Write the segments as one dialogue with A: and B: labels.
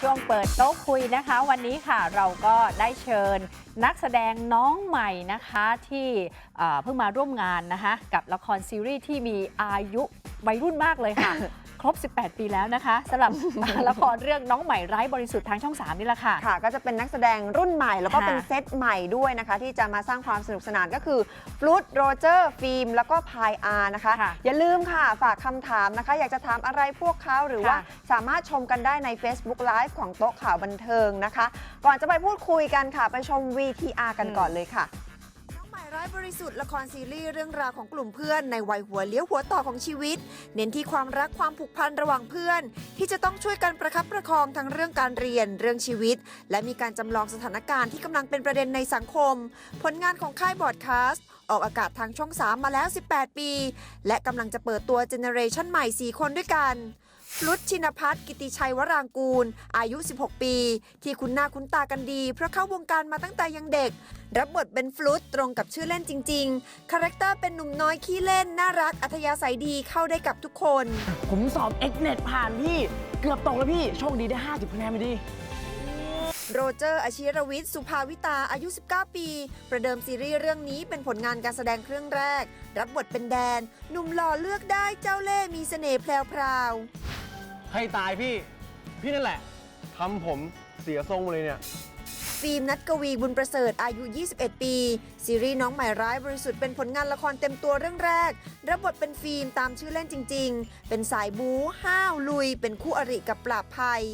A: ช่วงเปิดโต๊ะคุยนะคะวันนี้ค่ะเราก็ได้เชิญนักแสดงน้องใหม่นะคะที่เพิ่งมาร่วมงานนะคะกับละครซีรีส์ที่มีอายุวัยรุ่นมากเลยค่ะ ครบ 18 ปีแล้วนะคะสำหรับ ละครเรื่องน้องใหม่ไร้บริสุทธิ์ทางช่อง 3 นี่แหละค่ะ
B: ค่ะก็จะเป็นนักแสดงรุ่นใหม่แล้วก็เป็นเซตใหม่ด้วยนะคะที่จะมาสร้างความสนุกสนานก็คือฟลุตโรเจอร์ฟิล์มแล้วก็พายอาร์นะคะอย่าลืมค่ะฝากคำถามนะคะอยากจะถามอะไรพวกเขาหรือว่าสามารถชมกันได้ใน Facebook Live ของโต๊ะข่าวบันเทิงนะคะก่อนจะไปพูดคุยกันค่ะไปชม VTR กันก่อนเลยค่ะ
C: ไร้บริสุทธิ์ละครซีรีส์เรื่องราวของกลุ่มเพื่อนในวัยหัวเลี้ยวหัวต่อของชีวิตเน้นที่ความรักความผูกพันระหว่างเพื่อนที่จะต้องช่วยกันประคับประคองทั้งเรื่องการเรียนเรื่องชีวิตและมีการจำลองสถานการณ์ที่กำลังเป็นประเด็นในสังคมผลงานของค่ายบอร์ดคาสต์ออกอากาศทางช่อง 3 มาแล้ว 18 ปีและกำลังจะเปิดตัวเจเนอเรชันใหม่ 4 คนด้วยกันฟลุตชินภัทร กิติชัยวรางกูลอายุ 16 ปีที่คุ้นหน้าคุ้นตากันดีเพราะเข้าวงการมาตั้งแต่ยังเด็กรับบทเป็นฟลุตตรงกับชื่อเล่นจริงๆคาแรคเตอร์เป็นหนุ่มน้อยขี้เล่นน่ารักอัธยาศัยดีเข้าได้กับทุกคน
D: ผมสอบ Xnet ผ่านพี่เกือบตกแล้วพี่โชคดีได้50คะแนนไปดิ
C: โรเจอร์อาชิรวิทย์สุภาวิตาอายุ 19 ปี ประเดิมซีรีส์เรื่องนี้เป็นผลงานการแสดงเรื่องแรกรับบทเป็นแดนหนุ่มหล่อเลือกได้เจ้าเล่ห์มีเสน่ห์แพรว
E: ให้ตายพี่นั่นแหละทำผมเสียทรงเลยเนี่ย
C: ฟิล์มนัทกวีบุญประเสริฐอายุ 21 ปีซีรีส์น้องใหม่ร้ายบริสุทธิ์เป็นผลงานละครเต็มตัวเรื่องแรกรับบทเป็นฟิล์มตามชื่อเล่นจริงๆเป็นสายบู๊ห้าวลุยเป็นคู่อริกับปราบภัย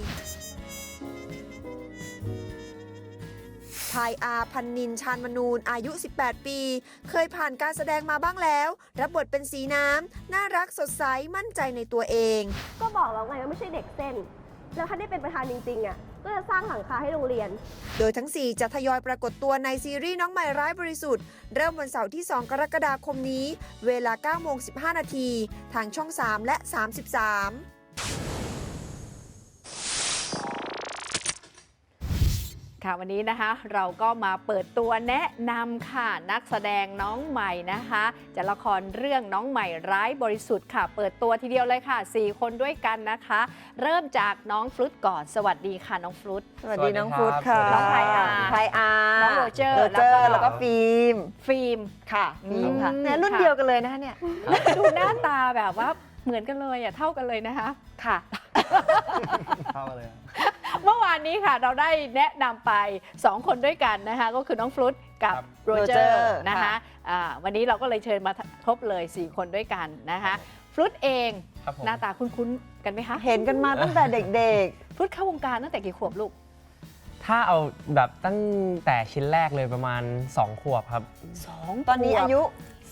C: พายอาพันนินชาญมนูนอายุ 18 ปีเคยผ่านการแสดงมาบ้างแล้วรับบทเป็นสีน้ำน่ารักสดใสมั่นใจในตัวเอง
F: ก็บอกแล้วไงว่าไม่ใช่เด็กเส้นแล้วถ้าได้เป็นประธานจริงๆอ่ะก็จะสร้างหลังคาให้โรงเรียน
C: โดยทั้ง 4 จะทยอยปรากฏตัวในซีรีส์น้องใหม่ร้ายบริสุทธิ์เริ่มวันเสาร์ที่ 2 กรกฎาคมนี้เวลา 9:15 น.ทางช่อง 3 และ 33
A: ค่ะวันนี้นะคะเราก็มาเปิดตัวแนะนำค่ะนักแสดงน้องใหม่นะคะจากละครเรื่องน้องใหม่ร้ายบริสุทธิ์ค่ะเปิดตัวทีเดียวเลยค่ะ4 คนด้วยกันนะคะเริ่มจากน้องฟลุตก่อนสวัสดีค่ะน้องฟลุต
B: สวัสดีน้องฟลุตค่ะ
A: น้องพายอาร์น้องโรเจอร์
B: แล้วก็ฟิล์ม
A: ค่ะ
B: ฟิล์มค่ะเนี่ยรุ่นเดียวกันเลยนะคะเนี่ย
A: ดูหน้าตาแบบว่าเหมือนกันเลยอ่ะเท่ากันเลยนะคะ
B: ค่ะ
E: เท่ากันเลย
A: เมื่อวานนี้ค่ะเราได้แนะนำไป2 คนด้วยกันนะคะก็คือน้องฟลุตกับโรเจอร์นะคะวันนี้เราก็เลยเชิญมาครบเลย4 คนด้วยกันนะคะฟลุตเองหน้าตาคุ้นๆกันไหมคะ
B: เห็นกันมาตั้งแต่เด็ก
A: ๆฟลุตเข้าวงการตั้งแต่กี่ขวบลูก
D: ถ้าเอาแบบตั้งแต่ชิ้นแรกเลยประมาณ2 ขวบครับ
B: ตอนนี้อายุ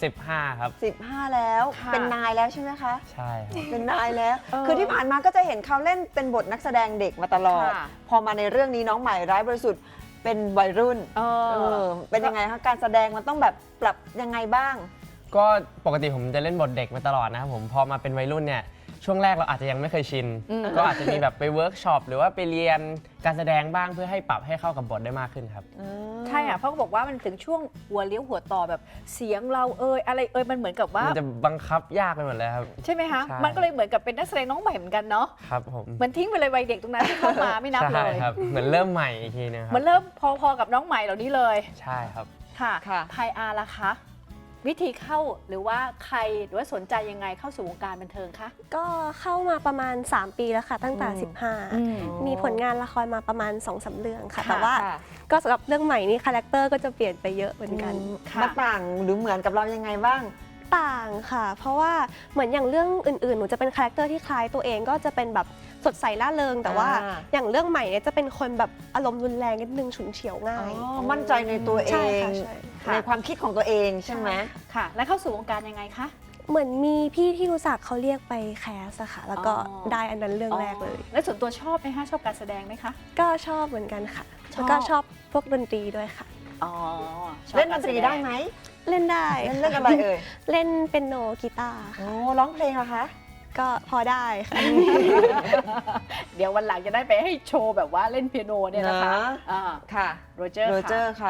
D: 15ครับ
B: 15แล้วเป็นนายแล้วใช่ไหมคะ
D: ใช่ครับ
B: เป็นนายแล้วคือที่ผ่านมาก็จะเห็นเขาเล่นเป็นบทนักแสดงเด็กมาตลอดพอมาในเรื่องนี้น้องใหม่ร้ายบริสุทธิ์เป็นวัยรุ่นเป็นยังไงคะการแสดงมันต้องแบบปรับยังไงบ้าง
D: ก็ปกติผมจะเล่นบทเด็กมาตลอดนะครับผมพอมาเป็นวัยรุ่นเนี่ยช่วงแรกเราอาจจะยังไม่เคยชินก็อาจจะมีแบบไปเวิร์กช็อปหรือว่าไปเรียนการแสดงบ้างเพื่อให้ปรับให้เข้ากับบทได้มากขึ้นครับ
A: ใช่เพราะเขาบอกว่ามันถึงช่วงหัวเลี้ยวหัวต่อแบบเสียงเราอะไรมันเหมือนกับว่า
D: มันจะบังคับยากไปหมดเลยครับ
A: ใช่ไหมคะมันก็เลยเหมือนกับเป็นนักแสดงน้องใหม่เหมือนกันเนาะ
D: ครับผม
A: มันทิ้งไปเลยวัยเด็กตรงนั้นที่เข้ามาไม่นับเลย
D: ครับเหมือนเริ่มใหม่อีกทีนึงครับ
A: มันเริ่มพอกับน้องใหม่เหล่านี้เลย
D: ใช่ครับ
A: ค่ะพายอาร์ล่ะคะวิธีเข้าหรือว่าใครหรือว่าสนใจยังไงเข้าสู่วงการบันเทิงคะ
F: ก็เข้ามาประมาณ3 ปีแล้วค่ะตั้งแต่15มีผลงานละครมาประมาณ 2-3 เรื่องค่ะแต่ว่าก็สำหรับเรื่องใหม่นี้คาแรคเตอร์ก็จะเปลี่ยนไปเยอะเหมือนกัน
B: มันต่างหรือเหมือนกับเรายังไงบ้าง
F: ต่างค่ะเพราะว่าเหมือนอย่างเรื่องอื่นๆหนูจะเป็นคาแรคเตอร์ที่คล้ายตัวเองก็จะเป็นแบบสดใสร่าเริงแต่ว่าอย่างเรื่องใหม่เนี่ยจะเป็นคนแบบอารมณ์รุนแรงนิดนึงฉุนเฉียวง่าย
B: มั่นใจในตัวเองในความคิดของตัวเองใช่ไหม
A: ค่ะแล้วเข้าสู่วงการยังไงคะ
F: เหมือนมีพี่ที่รู้จักเขาเรียกไปแคสอะค่ะแล้วก็ได้อันนั้นเรื่องแรกเลย
A: แล้วส่วนตัวชอบไหมคะชอบการแสดงไหมคะ
F: ก็ชอบเหมือนกันค่ะแล้วก็ชอบพวกดนตรีด้วยค่ะ
B: เล่นดนตรีได้ไหม
F: เล่นได้
B: เล่นอะไรเอ่ย
F: เล่นเปียโนกีตาร์
B: ร้องเพลงเหรอคะ
F: ก็พอได้ค่ะ
A: เดี๋ยววันหลังจะได้ไปให้โชว์แบบว่าเล่นเปียโนเนี่ยนะคะ
B: ค่ะ
A: โรเจอร์
B: ค่ะ
D: ข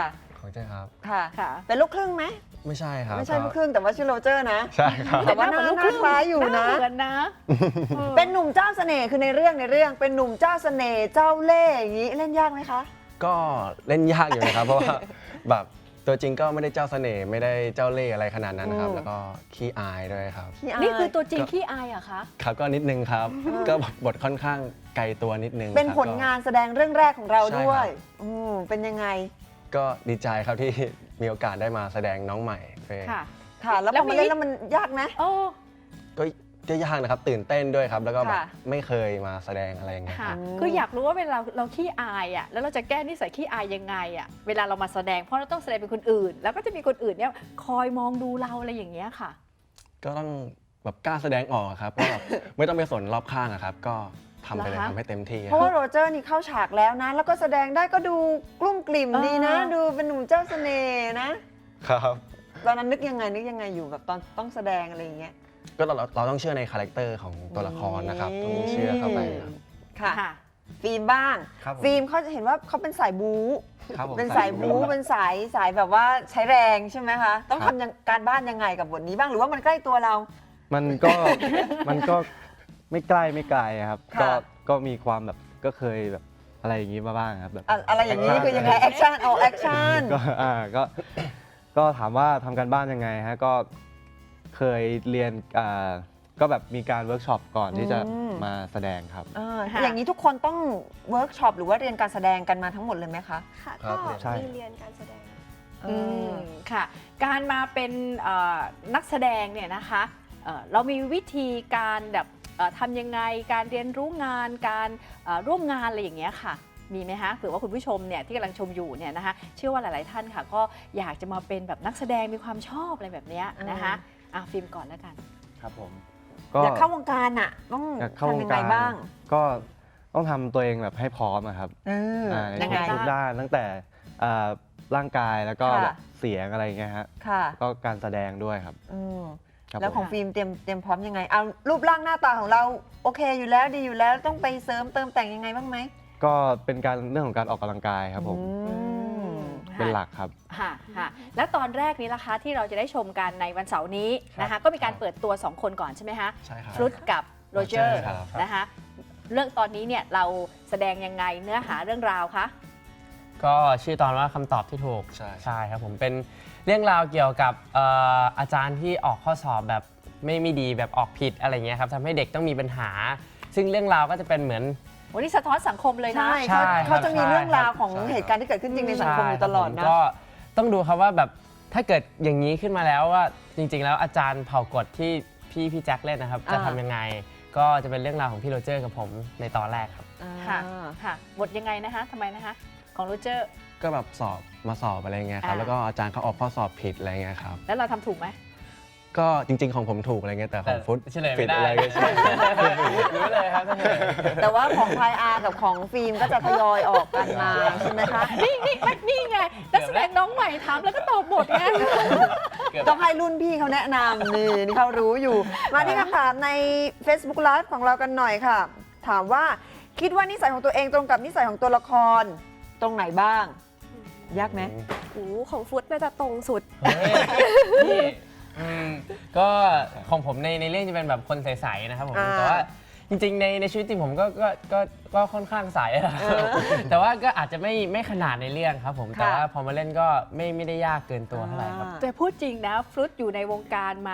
G: ของเจ้ครับ
B: ค่ะ
A: ค่ะ
B: เป็นลูกครึ่งไหม
G: ไม่ใช่ครับ
B: ไม่ใช่ลูกครึ่งแต่ว่าชื่อโรเจอร์นะ
G: ใช่ครับ
B: แต่ว่าหน้าคล้ายอยู่
A: ห
B: นะ
A: เหมือนนะ
B: เป็นหนุ่มเจ้าเสน่ห์คือในเรื่องเป็นหนุ่มเจ้าเสน่ห์เจ้าเล่ห์อย่างนี้เล่นยากไหมคะ
G: ก็เล่นยากอยู่นะครับ เพราะว่าแบบตัวจริงก็ไม่ได้เจ้าเสน่ห์ไม่ได้เจ้าเล่ห์อะไรขนาดนั้นนะครับ
B: อืม
G: แล้วก็ขี้อายด้วยครับ
B: ขี้าย
A: นี่คือตัวจริงขี้อายเหรอะคะ
G: ครับก็นิดนึงครับ ก็บทค่อนข้างไกลตัวนิดนึง
B: เป็น
G: ครับ
B: ผลงานแสดงเรื่องแรกของเรา
G: ใช่
B: ด้วย
G: ครับ
B: เป็นยังไง
G: ก็ดีใจครับที่มีโอกาสได้มาแสดงน้องใหม่เฟย์
A: ค่ะ
B: ค่ะ แล้ว
A: แล้
B: พ
A: ว
B: อ
A: มี
B: มาเล่นแล้วมันยากไหม
A: โอ้
G: ก็ยากนะครับตื่นเต้นด้วยครับ แล้วก็แบบ
B: ค่ะ
G: ไม่เคยมาแสดงอะไรอย่างเงี้ยค
A: ค่ะ
G: รับ
A: คืออยากรู้ว่าเวลาเราขี้อายอ่ะแล้วเราจะแก้นิสัยขี้อายยังไงอ่ะเวลาเรามาแสดงเพราะเราต้องแสดงเป็นคนอื่น แล้วก็จะมีคนอื่นเนี่ยคอยมองดูเราอะไรอย่างเงี้ยค่ะ
G: ก็ต้องแบบกล้าแสดงออกครับว่าแบบ ไม่ต้องไปสนรอบข้างอะครับ ก็ทำไปเลย
A: เหรอคะ
G: ทำให้เต็มที่
B: เพราะว่าโรเจอร์นี่เข้าฉากแล้วนะ แล้วก็แสดงได้ก็ดูกลุ้มกลิ่มดีนะ ดูเป็นหนุ่มเจ้าเสน่ห์นะ
G: ครับ
B: ตอนนั้นนึกยังไงอยู่แบบตอนต้องแสดงอะไรอย่างเงี้ย
G: ก็เราต้องเชื่อในคาแรคเตอร์ของตัวละครนะครับต้องเชื่อเข้าไปครับ
B: ค่ะ
A: ค่ะ
B: ฟิล์มบ้าง
G: ครับผม
B: ฟิล์มเขาจะเห็นว่าเขาเป็นสายบู๊
G: ครับผม
B: เป็นสายบู๊เป็นสายแบบว่าใช้แรงใช่ไหมคะ ต้องทำการบ้านยังไงกับบทนี้บ้างหรือว่ามันใกล้ตัวเรา
H: มันก็ มันก็ไม่ใกล้ไม่ไกลครับ
B: ค่ะ
H: ก็มีความแบบก็เคยแบบอะไรอย่างนี้มาบ้างครับแบบ
B: อะไรอย่างนี้คือยังไงแอคชั่นแอคชั่น
H: ก็ถามว่าทำการบ้านยังไงฮะก็เคยเรียนก็แบบมีการเวิร์กช็อปก่อนที่จะ
B: อืม
H: มาแสดงครับ
A: ค่ะ
B: อย่างนี้ทุกคนต้องเวิร์กช็อปหรือว่าเรียนการแสดงกันมาทั้งหมดเลยไหมคะ
F: ค่ะ
G: ครั
F: ก็
G: บ
H: ใช่
F: มีเรียนการแสดง
A: อืมค่ะ การมาเป็นนักแสดงเนี่ยนะคะเรามีวิธีการแบบทำยังไงการเรียนรู้งานการร่วมงานอะไรอย่างเงี้ยค่ะ มีไหมคะเผื่อว่าคุณผู้ชมเนี่ยที่กำลังชมอยู่เนี่ยนะคะเชื่อว่าหลาย ๆ ท่านค่ะ ก็อยากจะมาเป็นแบบนักแสดงมีความชอบอะไรแบบเนี้ยนะคะฟิล์มก่อนแล้วกัน
H: ครับผม
B: อยากเข้าวงการอ่ะต้อง
H: อยากเข้าว
B: ทำ
H: ง
B: ยังไง
H: การ
B: บ้าง
H: ก็ต้องทำตัวเองแบบให้พร้อมอะครับ ใน
B: ยังไง
H: ทุกด้านตั้งแต่ร่างกายแล้วก็
B: ค่ะ
H: แบบเสียงอะไรอย่างเงี้ยฮะ
B: ค่ะ
H: ก็การแสดงด้วยครับ
B: อืม
H: ครับ
B: แล้ว
H: ผม
B: ของฟิล์มเตรียมพร้อมยังไงเอารูปร่างหน้าตาของเราโอเคอยู่แล้วดีอยู่แล้วต้องไปเสริมเติมแต่งยังไงบ้างไหม
H: ก็เป็นการเรื่องของการออกกำลังกายครับผม
B: อืม
H: เป็นหลักครับ
A: ค่ะแล้วตอนแรกนี้ล่ะคะที่เราจะได้ชมกันในวันเสาร์นี้นะคะก็มีการเปิดตัว 2 คนก่อนใช่ไหมคะ
G: ใช่ครับ
A: ฟลุตกับโรเจอร์
G: ครับ
A: นะคะเรื่องตอนนี้เนี่ยเราแสดงยังไงเนื้อหาเรื่องราวคะ
D: ก็ชื่อตอนว่าคำตอบที่ถูก
G: ใช่
D: ครับผมเป็นเรื่องราวเกี่ยวกับอาจารย์ที่ออกข้อสอบแบบไม่ดีแบบออกผิดอะไรเงี้ยครับทำให้เด็กต้องมีปัญหา ซึ่งเรื่องราวก็จะเป็นเหมือน
A: วันนี้สะท้อนสังคมเลยนะ
B: ใช่
D: ใช่
B: เขาจะมี
D: ครับ
B: เรื่องราว
D: ใช่
B: ของ
G: ใช่
B: เหตุการณ์ที่เกิดขึ้นจริงในสังคมอยู่ตลอด
D: ใช่
B: นะ
D: ครับผมก็ต้องดูครับว่าแบบถ้าเกิดอย่างนี้ขึ้นมาแล้วว่าจริง ๆ แล้วอาจารย์เผ่ากฎที่พี่แจ็คเล่นนะครับจะทำยังไง ก็จะเป็นเรื่องราวของพี่โรเจอร์กับผมในตอนแรกครับ
A: ค่ะค่ะบทยังไงนะคะทำไมนะคะของโรเจอร์
G: ก็แบบมาสอบอะไรเงี้ยครับ แล้วก็อาจารย์เขาออกข้อสอบผิดอะไรเงี้ยครับ
A: แล้วเราทำถูกไหม
G: ก็จริง ๆ ของผมถูกอะไรเงี้ยแต่ของฟุต
D: เฉลย
G: ผิ
D: ไม่
G: ด
D: ได้
G: อะไรก็ใช่
D: รู้เลยครับ
B: แต่ว่าของพายอาร์กับของฟิล์มก็จะทยอยออกกันมาใช่ไหมคะ
A: นี่ไงนักแสดงน้องใหม่ถามแล้วก็ตอบหมดไง
B: ต้องให้รุ่นพี่เขาแนะนำนี่เขารู้อยู่ มาที่คำถามใน Facebook Live ของเรากันหน่อยค่ะ ถามว่าคิดว่านิสัยของตัวเองตรงกับนิสัยของตัวละครตรงไหนบ้าง ยากไหม
F: โอ้ของฟุตน่าจะตรงสุด
D: เฮ้ยนี่ก็ของผมในเรื่องจะเป็นแบบคนใสๆนะครับผม
B: อ่า
D: แต่ว่าจริงๆในชีวิตจริงผมก็ค่อนข้างใสนะครับแต่ว่าก็อาจจะไม่ขนาดในเรื่องครับผมแต่ว่าพอมาเล่นก็ไม่ได้ยากเกินตัวเท่าไหร่ครับ
A: แต่พูดจริงนะฟลุตอยู่ในวงการมา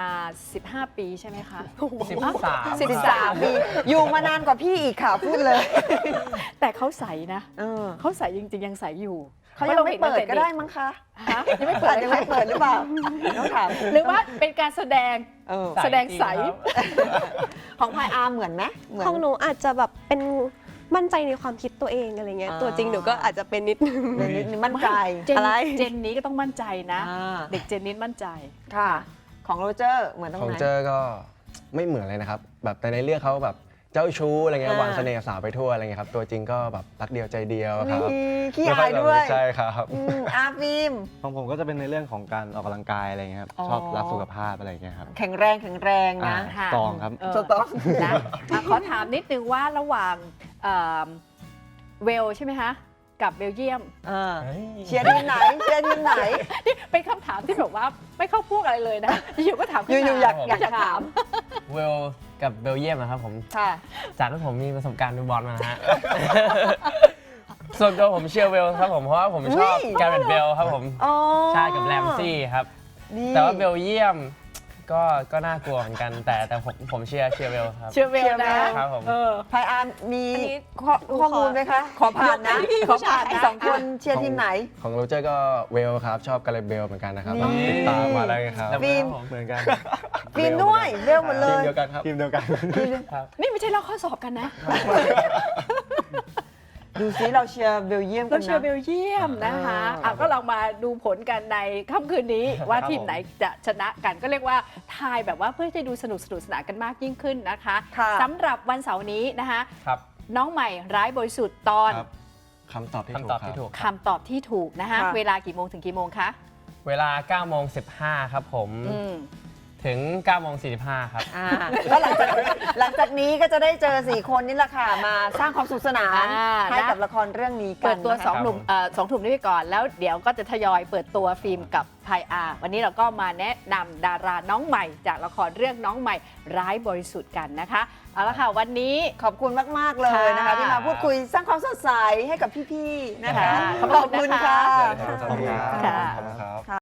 A: 15 ปีใช่ไหมคะ
D: 13
B: 13 ปีอยู่มานานกว่าพี่อีกค่ะพูดเลย
A: แต่เขาใสนะ
B: เออ
A: เขาใสจริงๆยังใสอยู่
B: เขายังไม่เปิดก็ได้มั้งคะ
A: ฮะยังไม่เปิด
B: ยังไม่เปิดหรือเปล่าต้องถาม
A: หรือว่าเป็นการแสดง
B: เออ
A: แสดงใส
B: ของพายอาร์เหมือนไหมเหมือน
F: ของหนูอาจจะแบบเป็นมั่นใจในความคิดตัวเองอะไรเงี้ย
B: อ่า
F: ตัวจริงหนูก็อาจจะเป็นนิดนึง
B: นิดนึงมั่นใจ
A: เจน
B: อะไร
A: เจนนี้ก็ต้องมั่นใจนะ
B: อ่า
A: เด็กเจนนี้มั่นใจ
B: ค่ะ ของโรเจอร์เหมือนตรง
G: ของ
B: ไหน
G: เจอก็ไม่เหมือนเลยนะครับ แบบแต่ในเรื่องเขาแบบเจ้าชู้อะไรเงี้ย
B: อ่า
G: วางเสน่ห์สาวไปทั่วอะไรเงี้ยครับตัวจริงก็แบบรักเดียวใจเดียวครับ
B: นี่ขี้
G: ไม่ค่
B: อายด้วย
G: ใช่ครับ
B: อาฟิล์ม
H: ของผมก็จะเป็นในเรื่องของการออกกำลังกายอะไรเงี้ยครับ
B: อ๋อ
H: ชอบรักสุขภาพอะไรเงี้ยครับ
B: แข็งแรงนะ
A: ค่ะ
H: ตองครับ
B: สต๊อก
A: นะขอถามนิดนึงว่าระหว่างเวลใช่ไหมคะกับเบลเยียม
B: เชียร์ทีมไหนเชียร์ทีมไหน
A: นี่เป็นคำถามที่แบบว่าไม่เข้าพวกอะไรเลยนะ อยู่ก็ถามขึ้น
B: อยู่
A: มา
B: ๆอยากถาม
D: เวลกับเบลเยียมนะครับผม
B: ค่ะ
D: จากที่ผมมีประสบการณ์ดูบอลมานะฮะ ส่วนตัวผมเชียร์เวลครับผมเพราะว่าผมชอบ
B: อุ้ย
D: แกเรตเบลครับผม
B: อ๋อ
D: ใช่กับแรมซี่ครับ
B: นี่
D: แต่ว่าเบลเยียมก็น่ากลัวเหมือนกัน แต่ผมเชียร์เวลครับ
A: เชียร์เวลนะ
D: ครับผม
B: พายอาร์มมี
F: อันนี้
B: ข้อมูลไหมคะ ขอผ่านนะ
A: ยกให้พี่
B: ขอผ่าน
A: ผู้ชาย
B: สองคนเชียร์ทีมไหน
G: ของโรเจอร์ก็เวลครับ ชอบกาเลเบลเหมือนกันนะครับ
B: นี่
G: ติดตามมาได้ครับ
B: ฟิล์ม
H: เหมือนกัน
B: ฟิล์มด้วยเวลหมดเล
G: ทีม
B: ย
G: เดียวกันครับ
H: ทีมเดียวกัน
A: นี่ไม่ใช่ลอกข้อสอบกันนะ
B: ดูซิเราเชียร์เบลเยียมกั
A: เรา
B: น
A: เชียร์เบ
B: นะ
A: ลเยียมนะคะก็ลองมาดูผลกันในค่ำคืนนี้ว่าทีมไหนจะชนะกันก็เรียกว่าทายแบบว่าเพื่อจะดูสนุกสนานกันมากยิ่งขึ้นนะคะ
B: ค่ะ
A: สำหรับวันเสาร์นี้นะคะ
D: ครับ
A: น้องใหม่ร้ายบริสุทธิ์ตอน
G: ครับ คำตอบที่ถูก
D: คำตอบ
G: ครั
D: ที่
G: บ
D: ถูก
A: คำตอบที่ถูกนะคะ
B: ค่ะ
A: เวลากี่โมงถึงกี่โมงคะ
D: เวลา9โมง15ครับผม
A: อืม
D: ถึง9โมง45ครับ
B: ก็หลังจากนี้ก็จะได้เจอ4คนนี่แหละค่ะ มาสร้างความสุขสนาน ให้กับละครเรื่องนี้กัน
A: เปิดตัว
B: นะคะ
A: สองหนุ่มสองถุ่มนี้ไปก่อน แล้วเดี๋ยวก็จะทยอยเปิดตัวฟิล์มกับพายอาวันนี้เราก็มาแนะนำดาราน้องใหม่จากละครเรื่องน้องใหม่ร้ายบริสุทธิ์กันนะคะเอาละค่ะวันนี้
B: ขอบคุณมาก ๆ เลยนะคะ
A: ค่ะ
B: ที่มาพูดคุยสร้างความสดใสให้กับพี่ ๆ นะคะ
A: ค่ะ
B: ขอบคุณค่ะ
A: ขอบคุณค่ะ
G: ขอบคุณครับ
A: ค่ะ
G: ขอบคุณครับ